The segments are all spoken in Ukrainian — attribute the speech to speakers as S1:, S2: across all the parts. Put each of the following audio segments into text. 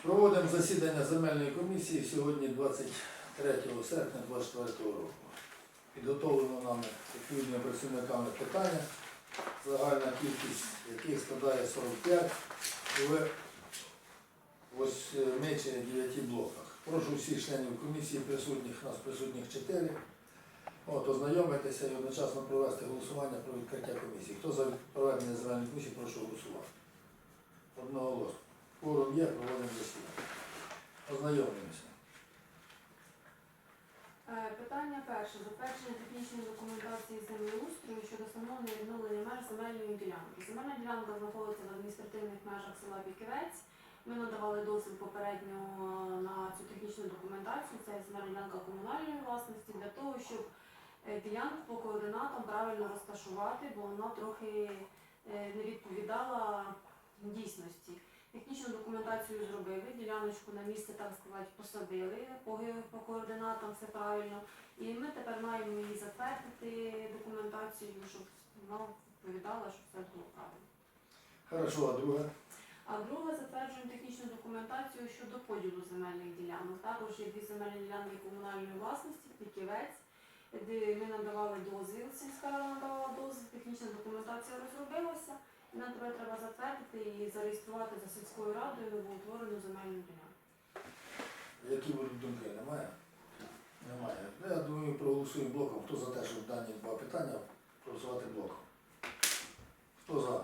S1: Проводимо засідання земельної комісії сьогодні 23 серпня 2024 року. Підготовлено нами відповідними працівниками питання, загальна кількість яких складає 45 в 8 чи 9 блоках. Прошу всіх членів комісії присутніх, нас присутніх 4, ознайомитися і одночасно провести голосування про відкриття комісії. Хто за проведення земельної комісії, прошу голосувати. Одноголосно. Форум є, проводимо засідання. Ознайомлюємося.
S2: Питання перше. Затвердження технічної документації землеустрою щодо встановлення і відновлення меж земельної ділянки. Земельна ділянка знаходиться в адміністративних межах села Біківець. Ми надавали дозвіл попередньо на цю технічну документацію. Це земельна ділянка комунальної власності для того, щоб ділянку по координатам правильно розташувати, бо вона трохи не відповідала дійсності. Технічну документацію зробили, діляночку на місце, так сказати, посадили, по координатам все правильно. І ми тепер маємо її затвердити документацію, щоб вона відповідала, щоб все було правильно.
S1: Хорошо, а друге?
S2: А друге, затверджуємо технічну документацію щодо поділу земельних ділянок. Також є дві земельні ділянки комунальної власності, Біківець, де ми надавали дозвіл, сільська рада надавала дозвіл, технічна документація розробилася. І нам тепер треба затвердити і зареєструвати за сільською радою новоутворену земельну ділянку.
S1: Які будуть думки? Немає? Немає. Я думаю, проголосуємо блоком. Хто за те, щоб дані два питання проголосувати блоком? Хто за?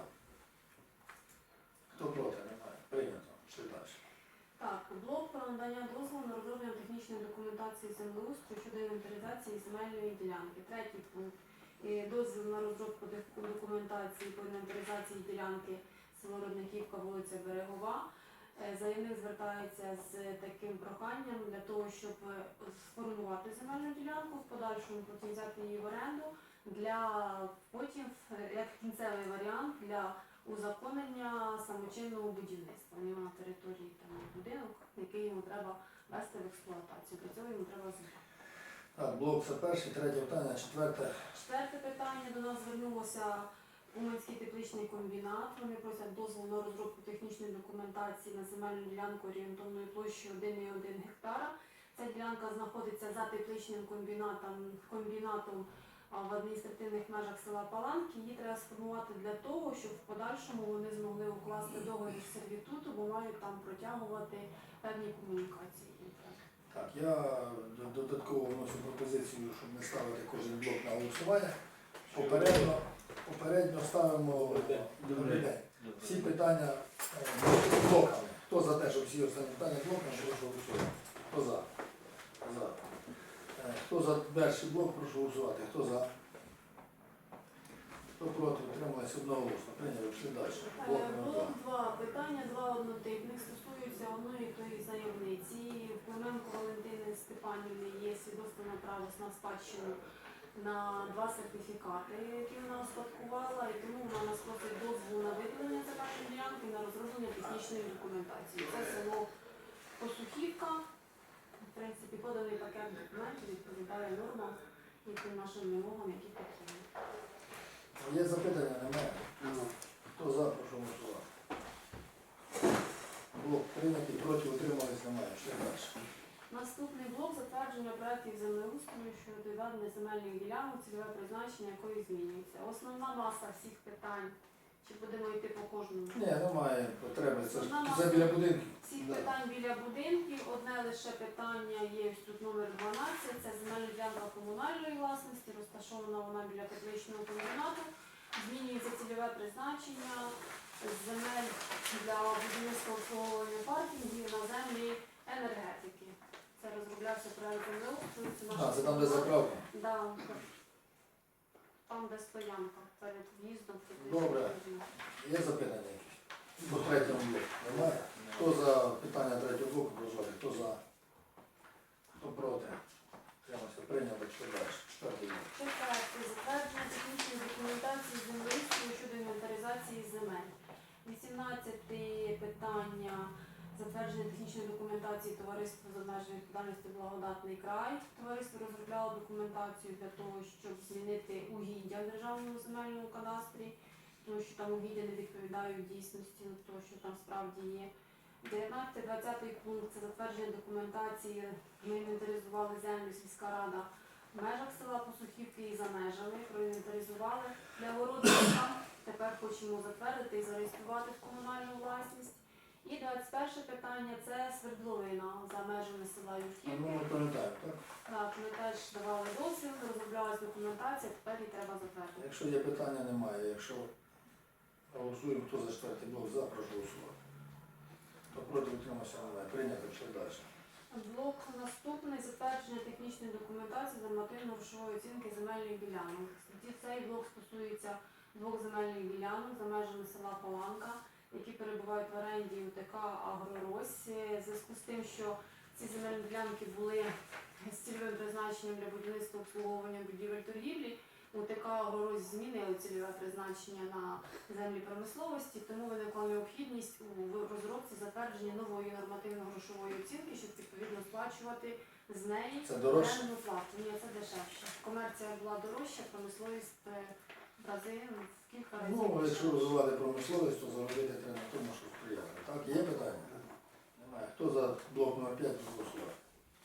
S1: Хто проти? Немає. Прийнято. Що далі?
S2: Так, блок про надання дозволу на розроблення технічної документації землеустрою щодо інвентаризації земельної ділянки. Третій пункт. Дозвіл на розробку документації по інвентаризації ділянки село Родниківка, вулиця Берегова. Заявник звертається з таким проханням для того, щоб сформувати земельну ділянку, в подальшому потім взяти її в оренду, для потім, як кінцевий варіант, для узаконення самочинного будівництва. У нього на території там будинок, який йому треба вести в експлуатацію. Для цього йому треба зробити.
S1: Так, блок це перший, третє питання, четверте.
S2: Четверте питання. До нас звернулося Уманський тепличний комбінат. Вони просять дозволу на розробку технічної документації на земельну ділянку орієнтовною площею 1,1 гектара. Ця ділянка знаходиться за тепличним комбінатом в адміністративних межах села Паланки. Її треба сформувати для того, щоб в подальшому вони змогли укласти договір сервітуту, бо мають там протягувати певні комунікації.
S1: Так, я додатково вношу пропозицію, щоб не ставити кожен блок на голосування. Попередньо ставимо всі питання блоками. Хто за те, щоб всі останні питання блоками, прошу голосувати. Хто за? За. Хто за перший блок, прошу голосувати. Хто за? Хто проти? Утрималися одноголосно. Прийняли, пішли далі.
S2: Блок 2. Питання два однотипних стосуються одної тої заявниці. Клименко Валентини Степанівни є свідоцтво на право на спадщину на 2 сертифікати, які вона успадкувала, і тому вона нас просить дозволу на виділення земельної ділянки на розроблення технічної документації. Це село Посухівка. В принципі, поданий пакет документів відповідає нормам і тим нашим вимогам, які потрібні.
S1: Є запитання? Немає? Хто за, прошу голосувати. Блок прийнятий, проти утримались, немає. Що далі?
S2: Наступний блок затвердження проєктів землеустрою щодо відведення земельних ділянок, цільове призначення якої змінюється. Основна маса всіх питань, чи будемо йти по кожному?
S1: Ні, немає потреби. Це біля будинків.
S2: Всіх питань біля будинків. Одне лише питання є тут номер 12. Це земельна ділянка комунальної власності, розташована вона біля тепличного комбінату. Змінюється цільове призначення з земель для будівництва обслуговування паркінгів на землі енергетики. Це розроблявся проєкт землеустрою.
S1: Це там, де заправка?
S2: Да. Там, де стоянка перед в'їздом.
S1: Добре. Є запитання якісь? По третьому блоку? Немає? Хто за питання третього блоку прозвати? Хто за? Хто проти? Прийняли, що далі? Четвертий блок.
S2: Четверте. Затвердження технічної документації землеустрою щодо інвентаризації земель. 18 питання. Затвердження технічної документації товариства з обмеженою відповідальністю «Благодатний край». Товариство розробляло документацію для того, щоб змінити угіддя в Державному земельному кадастрі, тому що там угіддя не відповідають дійсності, того, що там справді є. 19-20 пункт це затвердження документації. Ми інвентаризували землю, сільська рада в межах села Посухівки і за межами. Проінвентаризували для городника. Тепер хочемо затвердити і зареєструвати в комунальну власність. І 21 питання це свердловина за межами села Юрківки.
S1: Ну, ми пам'ятаємо, так?
S2: Так, ми теж давали дозвіл, розроблялась документація, тепер її треба затвердити.
S1: Якщо є питання, немає. Якщо голосуємо, хто за четвертий блок за, прошу голосувати. Хто проти, утримався, немає. Прийнято, пішли далі.
S2: Блок наступний затвердження технічної документації з нормативно-грошової оцінки земельних ділянок. Цей блок стосується двох земельних ділянок за межами села Паланка, які перебувають в оренді УТК «Агрорось». В зв'язку з тим, що ці земельні ділянки були з цільовим призначенням для будівництва обслуговування будівель торгівлі, УТК «Агрорось» змінили цільове призначення на землі промисловості, тому виникла необхідність у розробці затвердження нової нормативно-грошової оцінки, щоб відповідно сплачувати з неї
S1: Це дорожче?
S2: орендну плату. Ні, це дешевше. Комерція була дорожча, промисловість в рази в кілька разів.
S1: Ну, якщо
S2: дешевше.
S1: розвивати промисловість, то заробити треба на тому, що сприяти. Так, є питання? Немає. Хто за блок номер 5 голосувати?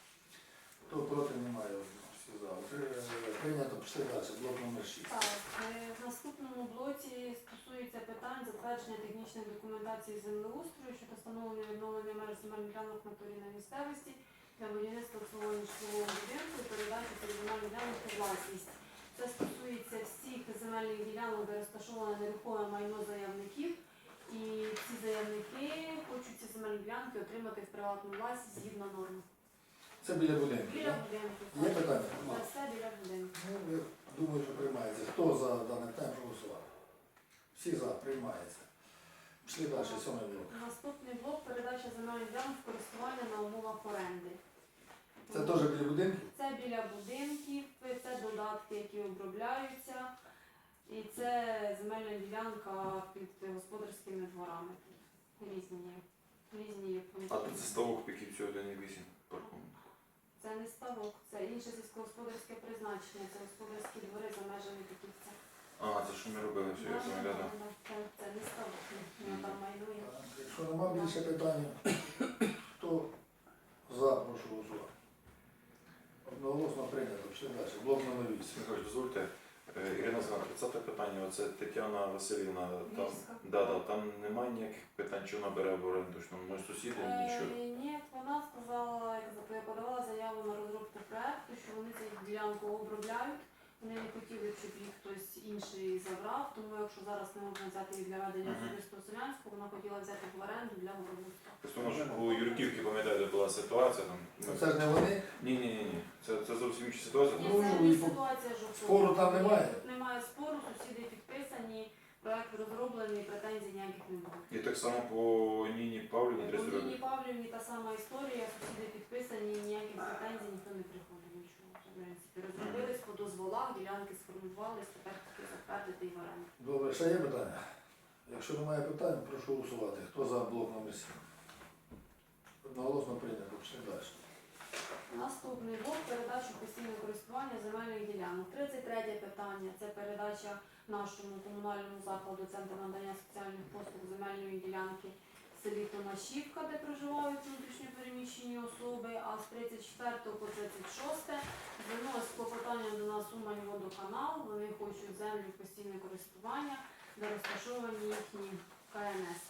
S1: Хто проти, немає. Всі за. Прийнято, пішли далі. Блок номер 6.
S2: Так, в наступному блоці стосується питань затвердження технічної документації землеустрою щодо встановлення і відновлення меж земельних ділянок на території на місцевості для будівництва обслуговування житлового будинку і передачі цих земельних ділянок у власність. Це стосується всіх земельних ділянок, де розташоване нерухоме майно заявників. І ці заявники хочуть ці земельні ділянки отримати в приватну власність згідно норм.
S1: Це біля будинку,
S2: Біля
S1: так?
S2: будинку.
S1: Є питання?
S2: Це все біля будинку.
S1: Ну, я думаю, що приймається. Хто за даний тайм проголосував? Всі за, приймається. Пішли далі, 7 блок.
S2: Наступний блок передача земельних ділянок в користування на умовах оренди.
S1: Це теж біля будинку?
S2: Це біля будинків, це додатки, які обробляються, і це земельна ділянка під господарськими дворами. Різні є пункти.
S3: А тут ставок Піківцю 1,8 паркунок.
S2: Це не ставок, це інше сільськогосподарське призначення, це господарські двори за межами Піківця.
S3: А, це що ми робили все, я пам'ятаю.
S2: Це не ставок, воно там майнує.
S1: Якщо нема більше питань, хто за, прошу голосувати. Одноголосно прийнято, пішли далі. Блок номер 8.
S3: Михайлович, дозвольте. Ірина Згана, 30 питання, оце Тетяна Васильівна, там,
S2: Вільська.
S3: там немає ніяких питань, чи вона бере в оренду, що ми сусіди, нічого.
S2: Ні, вона сказала, я подавала заяву на розробку проекту, що вони цю ділянку обробляють. Вони не хотіли, щоб їх хтось інший забрав, тому якщо зараз не можна взяти їх для ведення
S3: Мгм.
S2: особистого селянського, вона хотіла взяти в оренду для городництва.
S3: Просто може у Юрківки, пам'ятаєте, була ситуація там.
S1: Це ж не вони?
S3: Ні. Це зовсім інша ситуація.
S2: Ні,
S1: Ну,
S2: це
S1: і
S2: не
S1: по-
S2: ситуація жовтого.
S1: спору там немає?
S2: Немає спору, сусіди підписані, проект розроблений, претензій ніяких не було.
S3: І так само по Ніні Павлівні
S2: У
S3: 300
S2: Ніні
S3: років.
S2: Павлівні та сама історія, сусіди підписані, ніяких претензій, ніхто не приходив, нічого. В принципі, розробились по дозволах, ділянки сформувались, тепер тільки затвердити і в оренду.
S1: Добре, ще є питання? Якщо немає питань, прошу голосувати. Хто за блок номер 7? Одноголосно прийнято, пішли далі.
S2: Наступний блок передачу постійного користування земельних ділянок. 33 питання це передача нашому комунальному закладу Центру надання соціальних послуг земельної ділянки в селі Томашівка, де проживають внутрішньо переміщені особи, а з 34 по 36 звернулось клопотання до нас Умань-Водоканал. Вони хочуть землю в постійне користування, де розташовані їхні КНС.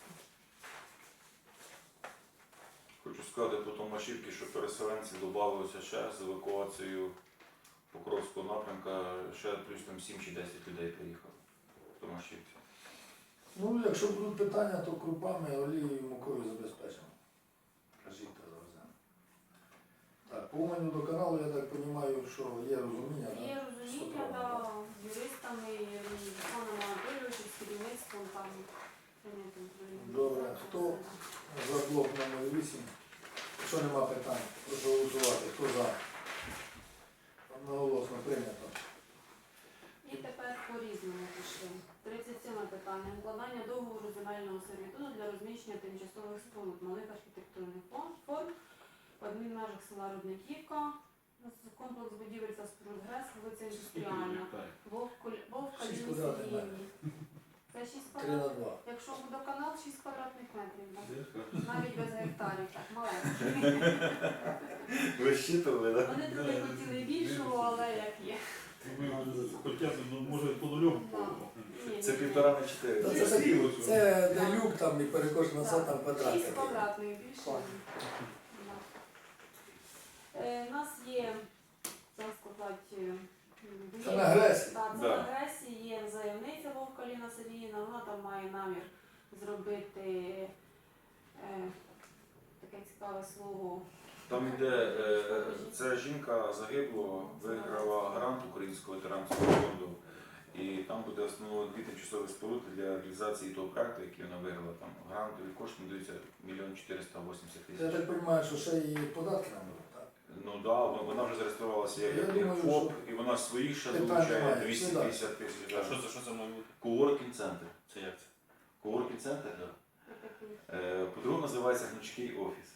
S3: Хочу сказати по Томашівці, що переселенці додалося ще з евакуацією Покровського напрямка, ще плюс там 7 чи 10 людей приїхало в Томашівці.
S1: Ну, якщо будуть питання, то крупами, олією, мукою забезпечимо. Кажіть, то завеземо. Так, по Уманю до каналу, я так розумію, що є розуміння,
S2: Є
S1: так?
S2: розуміння, з юристами, і Русланом Анатолійовичем, з керівництвом там.
S1: Добре, хто за блок номер 8? Якщо нема питань, прошу голосувати. Хто за? Одноголосно прийнято.
S2: І тепер по-різному пішли. 37 питання. Укладання договору земельного сервітуту для розміщення тимчасових споруд малих архітектурних форм в адмінмежах села Рудниківка. Комплекс будівель та споруд ГРЕС, вулиця Індустріальна. Вовка
S1: Шість
S2: Лінії
S1: квадратних
S2: Сергіївні. Це Це 6
S1: 3 на
S2: квадратних.
S1: 2.
S2: Якщо водоканал, 6 квадратних метрів. Да?
S3: Дивка.
S2: Навіть без гектарів, так, маленький.
S3: Ви щитували, так?
S2: Вони трохи хотіли більшого, але як є.
S4: Хоча б, ну, може, по нульому.
S2: Ні,
S3: Це
S2: ні, ні.
S3: 1,5 на 4.
S1: Та це такі, це де люк там і перекошено все там квадрат.
S2: 6
S1: такий.
S2: квадратних більше.
S1: Так.
S2: Да. У нас є, так сказати,
S1: Це на Гресі.
S2: Так, це
S3: Да.
S2: на Гресі є заявниця Вовка Ліна Сергіївна, вона там має намір зробити таке цікаве слово.
S3: Там іде, ця жінка загиблого, виграла грант Українського ветеранського фонду. І там буде встановлено 2 тимчасові споруди для реалізації того проекту, який вона виграла. Там грантові кошти надаються 1 480
S1: Я
S3: 000.
S1: так розумію, що ще і податки нам будуть, так?
S3: Ну так, да, вона вже зареєструвалася як
S1: Я думаю,
S3: ФОП,
S1: що
S3: і вона своїх ще
S1: питань
S3: долучає
S1: немає.
S3: 250 тисяч.
S4: А що це має бути?
S3: Коворкінг центр.
S4: Це як це?
S3: Коворкінг центр, так.
S2: Такий.
S3: По-друге, називається Гнучкий офіс.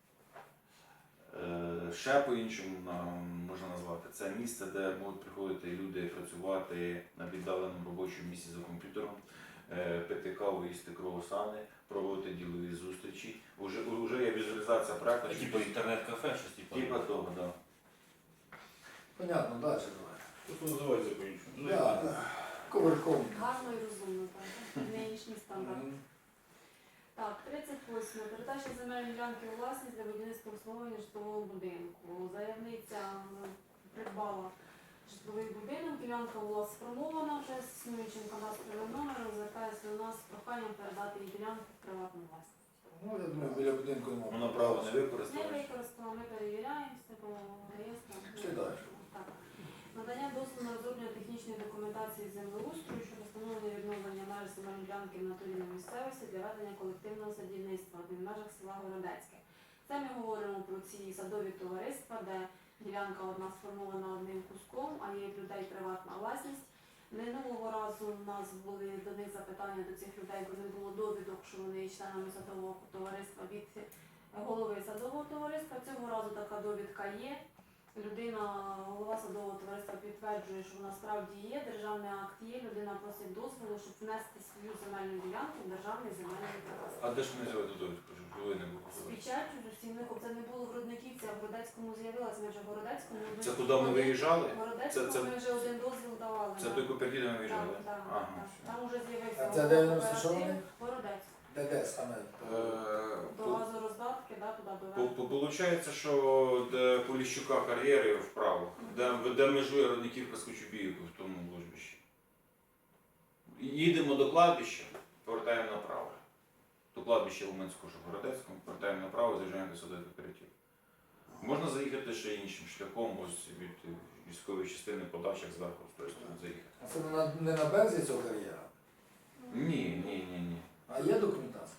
S3: Ще по-іншому можна назвати. Це місце, де можуть приходити люди працювати на віддаленому робочому місці за комп'ютером, пити каву, їсти круасани, проводити ділові зустрічі. Уже є візуалізація проекту.
S4: А типу інтернет-кафе, щось типу?
S3: Типа того, так. Да.
S1: Понятно, далі давай.
S4: Що називається по-іншому? Ну,
S1: Да,
S4: я-
S1: да. Ковирком.
S2: Гарно і розумно, так. Нинішній стандарт. Так, 38. Передача земельної ділянки у власність для будівництва обслуговування житлового будинку. Заявниця придбала житловий будинок, ділянка була сформована вже з існуючим кадастровим номером, звертається до нас з проханням передати її ділянку в приватну власність.
S1: Ну, я думаю, біля будинку немає.
S3: Вона право не
S2: Не
S3: використовує.
S2: використано, ми перевіряємо з такого реєстру.
S1: Чи далі?
S2: Так. Надання дозволу на розроблення технічної документації з землеустрою щодо встановлення і відновлення меж земельної ділянки в натурі на місцевості для ведення колективного садівництва в межах села Городецьке. Це ми говоримо про ці садові товариства, де ділянка одна сформована одним куском, а є в людей приватна власність. Минулого разу у нас були до них запитання до цих людей, бо не було довідок, що вони є членами садового товариства від голови садового товариства. Цього разу така довідка є. Людина, голова садового товариства підтверджує, що вона справді є, державний акт є, людина просить дозволу, щоб внести свою земельну ділянку в державний земельний кадастр.
S3: А де ж вони взяли ту довідку, щоб були не було?
S2: З печаттю, з усім них, це не було в Рудниківці, а в Городецькому з'явилася, ми вже в Городецькому.
S3: Це куди ми виїжджали?
S2: В Городецькому
S3: Це-
S2: ми вже один дозвіл давали.
S3: Це
S2: да.
S3: той кооператив ми виїжджали?
S2: Так, так,
S3: Ага,
S2: так.
S3: все.
S2: Там вже з'явився
S1: А це де він
S2: кооператив.
S1: розташований?
S2: Городецьк.
S1: Де саме?
S2: До газороздатки, да, туди до
S3: Получається, що де Поліщука кар'єри вправо, де межує Родниківка з Кочубіївкою в тому ложбищі. Їдемо до кладбища, повертаємо направо. До кладбища Уманського, що в Городецькому, повертаємо направо, заїжджаємо до садових кооператив. Можна заїхати ще іншим шляхом, ось від військової частини по дачах зверху з тої сторони заїхати.
S1: А це не на березі цього кар'єра?
S3: Ні.
S1: А є документація?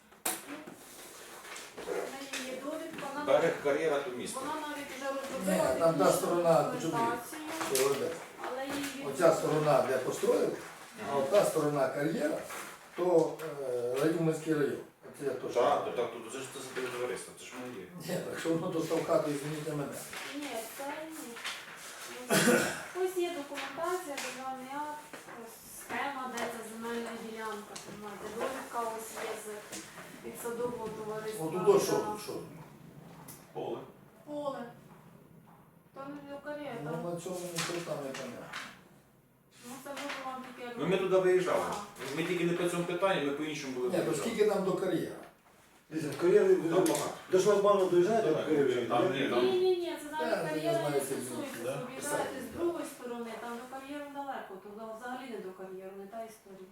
S2: В неї є довідка, вона
S3: Берег кар'єра то місто.
S2: вона навіть вже
S1: Ні,
S2: розробила
S1: там та сторона
S2: технічну документацію,
S1: Чи Городець?
S2: але її
S1: Оця сторона, де построїли, а ота сторона кар'єра, то Уманський район. Це я точно.
S3: Так, тут це ж це садове товариство, це ж воно є.
S1: Ні, так що воно достав хату, извиніть мене.
S2: Ні, це ні. Ось є документація, державний акт, ось схема, де ця земельна ділянка, знаєте, довідка ось є від садового товариства.
S1: От тут що?
S3: Поле.
S2: Поле. То не до кар'єра,
S1: Ну на цьому нічого там не понятно.
S2: ну це буде вам тільки як...
S3: Ну ми туди виїжджали. Ми тільки не по цьому питанню, ми по іншому були
S1: Ні, то
S3: виїжджали.
S1: скільки там до кар'єра?
S5: Дивіться, в кар'єрі
S3: Там багато.
S5: до шлагбану доїжджаєте,
S4: Давай,
S5: в кар'єрі?
S4: там
S3: ні,
S2: Ні, це навіть
S1: Так,
S2: кар'єра
S1: я
S2: не
S1: знаю, це
S2: стосується.
S4: да?
S2: Об'їжджаєте з другої сторони, там до кар'єру далеко, туди взагалі не до кар'єру, не та історія.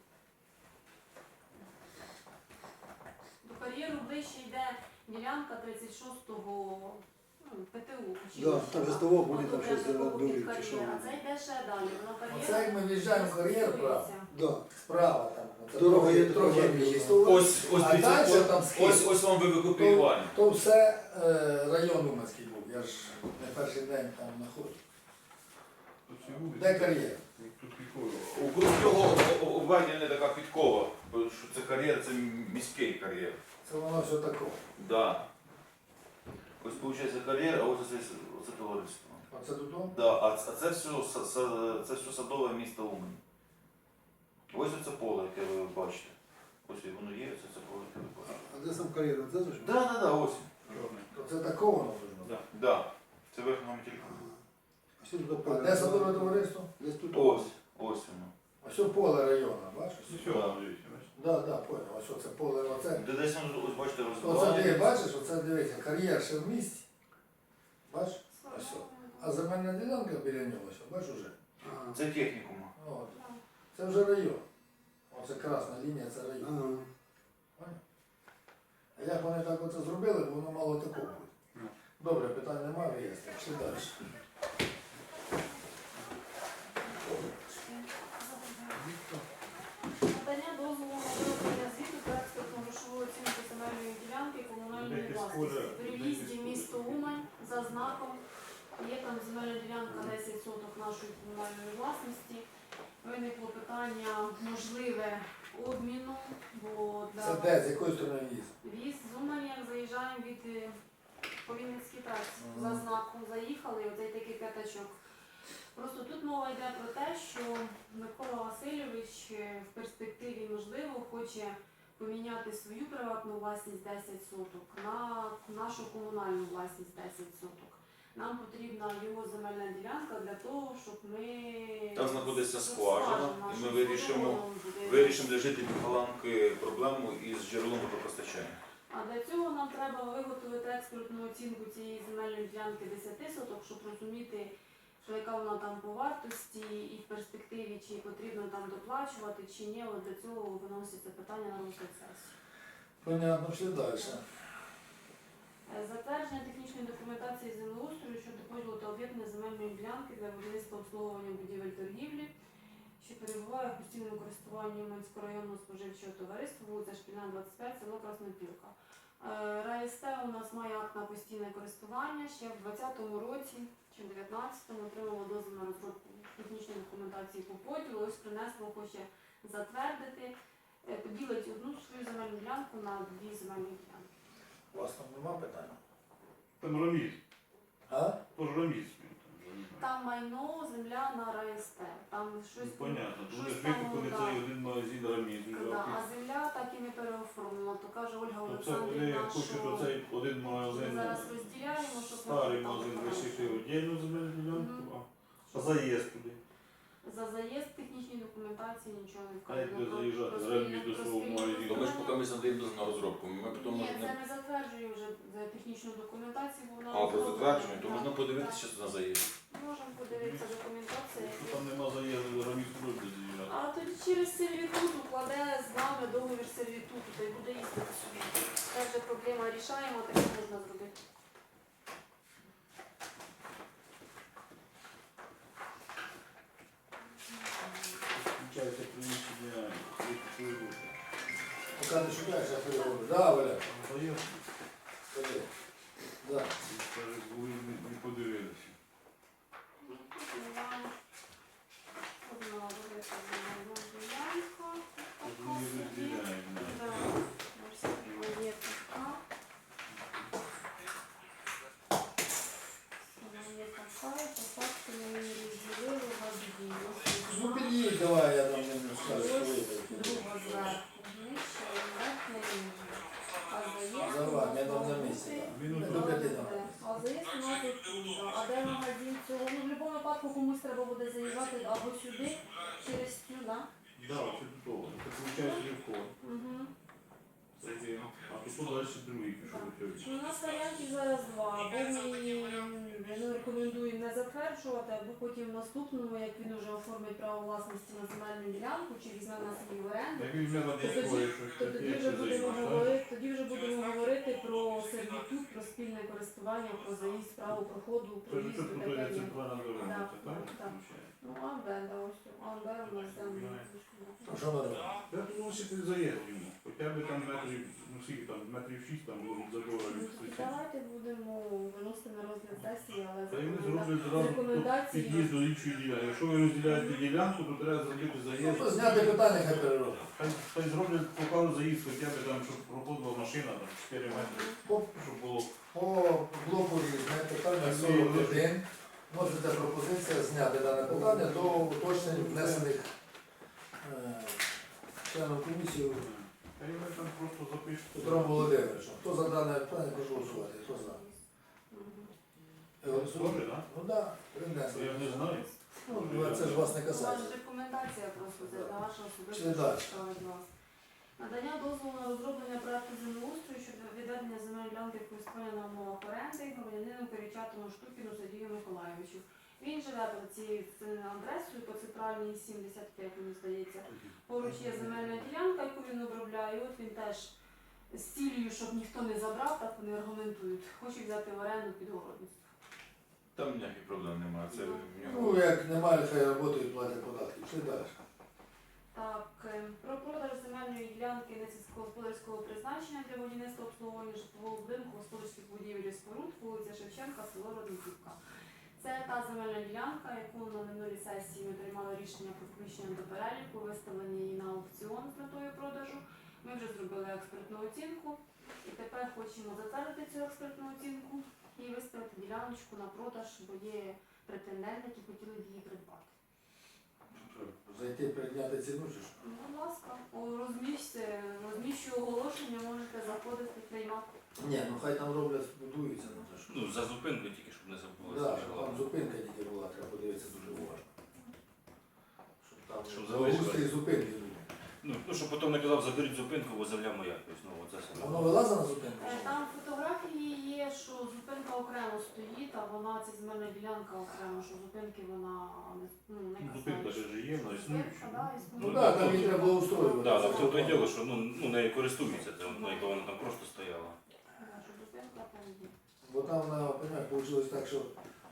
S2: До кар'єру ближче йде ділянка 36-го ПТУ.
S5: Да, там же ставок буде,
S2: От
S5: там
S2: де
S5: щось
S2: такого
S5: на дорі,
S2: під
S5: чи що.
S2: кар'єр, а це йде ще далі. Воно кар'єра
S1: Оце як ми в'їжджаємо в кар'єр, правда?
S5: Да.
S1: Справа там. Це
S5: Дорога є
S1: трохи
S5: трохи
S1: більше.
S5: більше.
S3: Ось
S1: А
S3: дивіться,
S1: далі там схід.
S3: ось вам викопіювання.
S1: То все район Уманський був, я ж не перший день там знаходжу.
S4: Тут всі вулиці.
S1: Де кар'єр?
S4: Тут прикольно.
S3: Округ цього обведення така підкова, бо що це кар'єр, це міський кар'єр.
S1: Це воно все таке.
S3: Да. Ось виходить кар'єр, а ось це товариство.
S1: Оце додому?
S3: Да, а це все садове місто Умань. Ось оце поле, яке ви бачите. Ось воно є, це поле, яке ви бачите.
S5: А де сам кар'єр? Це ж?
S3: Да, ось.
S4: Чорний.
S1: То це такого воно должно.
S4: Да.
S3: Да. Це верхньому телефону.
S5: А що тут
S1: А
S5: поле?
S1: де садове товариство?
S5: Десь тут.
S3: Ось воно.
S1: Ось поле району, бачиш?
S4: Ну, все, дивіться, бачите.
S1: Да, понял. Ось оце поле, оце.
S3: Де десь воно, ось бачите,
S1: Оце ти
S3: розвивається.
S1: бачиш, оце дивися, кар'єр ще в місті. Бачиш? Ось о. А земельна ділянка біля нього, ось, бачиш уже?
S5: А,
S3: Це технікум.
S1: От. Це вже район. Оце красна лінія, це район.
S5: ага.
S1: Понял? А як вони так оце зробили, воно мало такого буде.
S4: Ну.
S1: Добре, питань немає, виясню. Пішли далі.
S2: Надання дозволу на виготовлення звіту та експертно-грошову оцінку земельної ділянки комунальної
S4: Деякі
S2: власності.
S4: школи-
S2: При в'їзді в місто Умань за знаком є там земельна ділянка 10 соток нашої комунальної власності. Виникло питання можливе обміну, бо
S1: Це
S2: для
S1: де, з якої сторони в'їзд?
S2: в'їзд з Умані, як заїжджаємо від Повінницькій трасі. За
S1: Мгм.
S2: знаком заїхали, і оцей такий п'ятачок. Просто тут мова йде про те, що Микола Васильович в перспективі, можливо, хоче поміняти свою приватну власність 10 соток на нашу комунальну власність 10 соток. Нам потрібна його земельна ділянка для того, щоб ми...
S3: Там знаходиться скважина, і ми вирішимо
S2: вирішимо.
S3: для жителів Паланки проблему із джерелом водопостачання.
S2: А для цього нам треба виготовити експертну оцінку цієї земельної ділянки 10 соток, щоб розуміти, що яка вона там по вартості і в перспективі, чи потрібно там доплачувати, чи ні. От для цього виноситься питання на розгляд сесії.
S1: Понятно, пішли далі.
S2: Затвердження технічної документації землеустрою щодо поділу та об'єднання земельної ділянки для будівництва обслуговування будівель торгівлі, що перебуває в постійному користуванні Уманського районного споживчого товариства, вулиця Шпільна, 25, село Краснопілка. РАСТ у нас має акт на постійне користування. Ще в 2020 році чи в 2019 отримало дозвіл на розробку технічної документації по поділу. Ось принесло, хоче затвердити, поділити одну свою земельну ділянку на дві земельні ділянки.
S1: У вас там нема питань?
S4: Там раміз.
S1: А?
S4: Тож раміз.
S2: Там майно, земля на РАСТ. Там щось
S4: Ну, понятно. Тому
S2: щось
S4: що
S2: там,
S4: викупили
S2: да.
S4: цей один магазин раміз.
S2: Да, а земля так і не переоформлена. То каже Ольга
S4: То це вони
S2: Олександрівна,
S4: хочуть
S2: що
S4: оцей один
S2: ми
S4: магазин,
S2: зараз розділяємо, щоб
S4: старий
S2: там
S4: магазин
S2: там
S4: лишити віддільну земельну ділянку,
S2: Мгм.
S4: а заїзд туди.
S2: за заїзд технічної документації нічого не
S4: А як
S2: вказано.
S4: буде заїжджати
S2: Про
S4: з рамі
S2: спільне-
S4: до
S2: про
S4: свого
S2: спільне
S4: магазину?
S3: То ми ж
S2: користування.
S3: поки ми задаємо дозвіл на розробку. Ми потім
S2: Ні,
S3: можемо...
S2: це ми затверджуємо вже за технічну документацію, бо вона
S3: А, про
S2: розроблена.
S3: затвердження, то
S2: Так,
S3: можна подивитися,
S2: так.
S3: що це на заїзд.
S2: Можемо подивитися документацію.
S4: Якщо там нема заїзду, раміз буде заїжджати.
S2: А тоді через сервітут укладе з вами договір сервітуту, то й буде їздити собі. Це вже проблема рішаємо, таке можна зробити.
S4: Включається приміщення, відповідно.
S1: Поки не шукаєш, я переговорю. Да, Валя?
S4: Заїзд,
S1: Ходи. Да.
S4: і каже, були не подивилися.
S2: Одна велика земельна ділянка.
S4: Тож
S2: Така
S4: ми її
S2: собі.
S4: розділяємо.
S2: Да, ось така є така. Вона є така, і по факту ми її розділили в одні.
S1: Ну під'їдь, давай, я там не скажу, що
S2: Ось
S1: вийде.
S2: друга зверху, нижче, і верхня ніже. А заїзд
S1: Давай,
S2: у
S1: я
S2: нас
S1: там на
S2: має
S1: місці.
S2: бути-
S1: да.
S4: Він
S1: До п'яти там.
S2: А заїзд у нас тут, да. А де магазин цього? Ну, в будь-якому випадку комусь треба буде заїжджати або сюди, через цю, да?
S4: Да, це тут. Це виходить легко.
S2: Угу.
S4: Це є. А тут далі другий пішов.
S2: У нас варіантів зараз два. Або ми рекомендуємо не затверджувати, або потім в наступному, як він вже оформить право власності на земельну ділянку, чи візьме на свій в оренду,
S4: Як він мене
S2: то
S4: дозволить, що
S2: то тоді
S4: таке
S2: вже
S4: ще
S2: будемо
S4: заїзд, так?
S2: говорити, про сервітут, про спільне користування, про заїзд, право проходу,
S4: Це ж
S2: проїзду
S4: тут
S2: таке
S4: є
S2: є.
S4: центральна дорога,
S2: Так,
S4: це так?
S2: так. Ну, Амбенда, ось тут. Амбер у нас там.
S1: А що ми робимо?
S4: Я думаю, що ти заїзд йому. Хоча б там метрів, ну скільки там, метрів 6 там було від забору від сусідів.
S2: Давайте будемо виносити на розгляд сесії, але
S4: Та й вони
S2: рекоменда-
S4: зроблять зразу
S2: рекомендації.
S4: під'їзд до іншої ділянки. Якщо ви розділяєте ділянку, то треба зробити
S1: Ну,
S4: заїзд.
S1: то зняти питання, хай переробить.
S4: Хай зроблять покажуть заїзд, хоча б там, щоб проходила машина там 4 метри,
S1: По,
S4: щоб було.
S1: по блоку різне, питання 41. Можете пропозиція зняти дане питання до уточнень внесених членом комісії
S4: Та й вони там просто запишуть.
S1: Петром Володимировичем. Хто за дане питання, прошу голосувати. Хто за?
S2: Мгм.
S1: Голосуємо?
S4: Тоже, так?
S1: Ну так, принесли.
S4: Я не знаю.
S1: Ну, це ж вас не
S2: У вас
S1: касається.
S2: ж рекомендація просто це
S1: Да.
S2: для вашого
S1: Чи
S2: особистого
S1: далі?
S2: справа від вас. Надання дозволу на розроблення проекту землеустрою щодо відведення земельної ділянки в користування на умовах оренди громадянину Перечатому Штукіну Сергію Миколайовичу. Він живе по цією адресою, по центральній 75, мені здається. Поруч є земельна ділянка, яку він обробляє. От він теж з цілею, щоб ніхто не забрав, так вони аргументують. Хоче взяти в оренду під городництво.
S3: Там ніяких проблем немає. Це в
S1: Ну,
S3: нього.
S1: як немає, хай працюють, платять податки. Пішли далі.
S2: Так, про продаж земельної ділянки несільськогосподарського призначення для будівництва обслуговування житлового будинку, господарських будівель і споруд, вулиця Шевченка, село Родниківка. Це та земельна ділянка, яку на минулій сесії ми приймали рішення про включення до переліку, виставлення її на аукціон з метою продажу. Ми вже зробили експертну оцінку і тепер хочемо затвердити цю експертну оцінку і виставити діляночку на продаж, бо є претенденти, які хотіли б її придбати.
S1: Зайти прийняти ціну чи що?
S2: Ну, будь ласка, розміщую оголошення, можете заходити, приймати.
S1: Ні, ну хай там роблять, будуються, ну це ж.
S6: Ну, за зупинкою тільки, щоб не забули.
S1: Да, щоб там зупинка тільки була, треба подивитися дуже уважно. Щоб там
S6: Щоб
S1: залишили
S6: залишили.
S1: зупинки були.
S6: Ну, щоб потім не казав, заберіть зупинку, бо земля моя. Тобто, ну, оце
S1: А
S6: саме.
S1: воно вилазить на зупинку?
S2: Там фотографії є, що зупинка окремо стоїть, а вона, ця земельна ділянка окремо, що зупинки вона не
S4: Зупинка
S2: касається.
S4: ж є, вона існуюча.
S2: Зупинка, да, існує.
S1: Ну так, там її треба благоустроювати.
S6: Так, в тому то й діло, що ну, нею користуються, це, ну, якби вона там просто стояла.
S2: Да, що зупинка там є.
S1: Бо там, понятно, вийшло так, що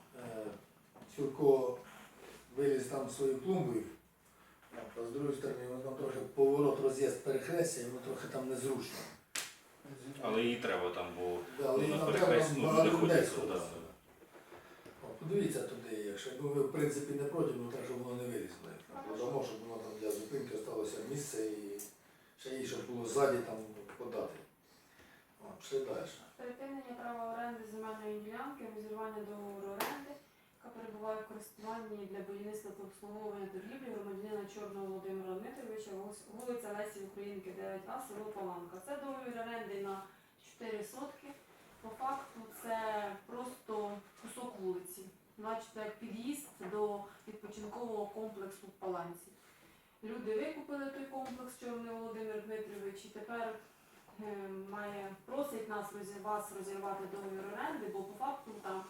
S1: Сюрко виліз там своєю клумбою, а з другої сторони, воно там трохи поворот, роз'їзд перехрестя, і воно трохи там незручно.
S6: Але її треба там, бо
S1: Да, але
S6: на
S1: там
S6: перехресті
S1: треба
S6: ну,
S1: багато
S6: не
S1: людей
S6: ходиться.
S1: сходиться. Подивіться туди, якщо ви в принципі не проти, ну так, щоб воно не вилізло. Додамо, щоб воно там для зупинки залишилося місце і ще їй, щоб було ззаді там подати. Пішли далі.
S2: Припинення права оренди земельної ділянки, розірвання договору оренди, яка перебуває в користуванні для будівництва та обслуговування торгівлі громадянина Чорного Володимира Дмитровича, вулиця Лесі Українки, 9А, село Паланка. Це договір оренди на 4 сотки. По факту це просто кусок вулиці. Бачите, як під'їзд до відпочинкового комплексу в Паланці. Люди викупили той комплекс Чорний Володимир Дмитрович і тепер просить вас розірвати договір оренди, бо по факту там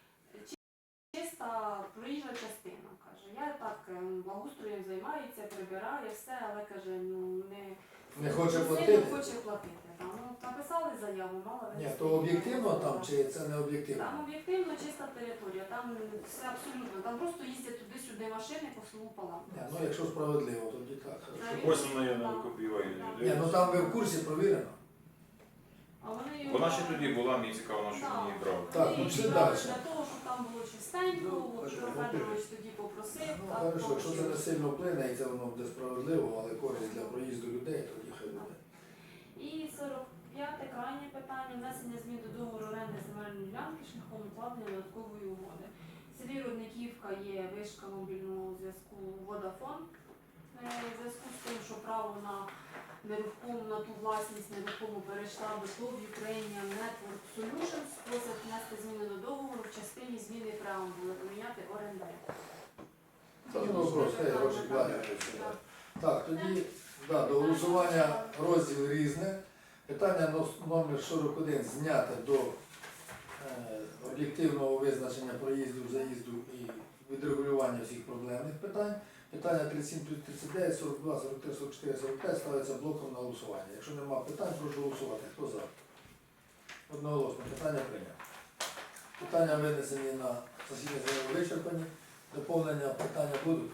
S2: чиста проїжджа частина, каже. Я так благоустроєм займаюся, прибираю все, але каже,
S1: Не хоче
S2: сильно
S1: платити?
S2: хоче платити. Там, написали заяву, мала
S1: Ні, то об'єктивно там чи це не об'єктивно?
S2: Там об'єктивно чиста територія, там все абсолютно, там просто їздять туди-сюди машини по селу Паланку.
S1: Ні, ну якщо справедливо, тоді так. хорошо.
S3: Ось вона я не викопіюваю.
S1: Ні, ну там ви в курсі провірено.
S2: А вони його
S3: Вона ще тоді була, мені цікаво, на що мені її брав.
S1: Так, ну,
S2: вони
S1: пішли
S2: їх брали
S1: далі.
S2: для того, щоб там було чистенько,
S1: Ну,
S2: от
S1: хорошо,
S2: Петро Федорович тоді попросив.
S1: Ну,
S2: так,
S1: хорошо, якщо це не
S2: получилось.
S1: сильно вплине і це воно буде справедливо, але користь для проїзду людей, тоді хай буде.
S2: І 45-те крайнє питання внесення змін до договору оренди земельної ділянки шляхом укладення додаткової угоди. В селі Родниківка є вишка мобільного зв'язку Водафон. В зв'язку з тим, що право на нерухому, на ту власність нерухому перейшла до ТОВ Ukrainian Network Solutions, просять внести зміни до договору в частині зміни преамбули, поміняти орендаря.
S1: Це не вопрос, хай гроші платять. Так, тоді да, до голосування розділ різне. Питання номер 41 зняте до об'єктивного визначення проїзду, заїзду і відрегулювання всіх проблемних питань. Питання 37, 39, 42, 43, 44, 45 ставиться блоком на голосування. Якщо немає питань, прошу голосувати. Хто за? Одноголосно. Питання прийнято. Питання винесені на засідання заяви вичерпані. Доповнення питання будуть.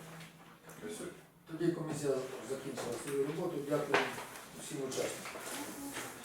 S1: Тоді комісія закінчила свою роботу. Дякую всім учасникам.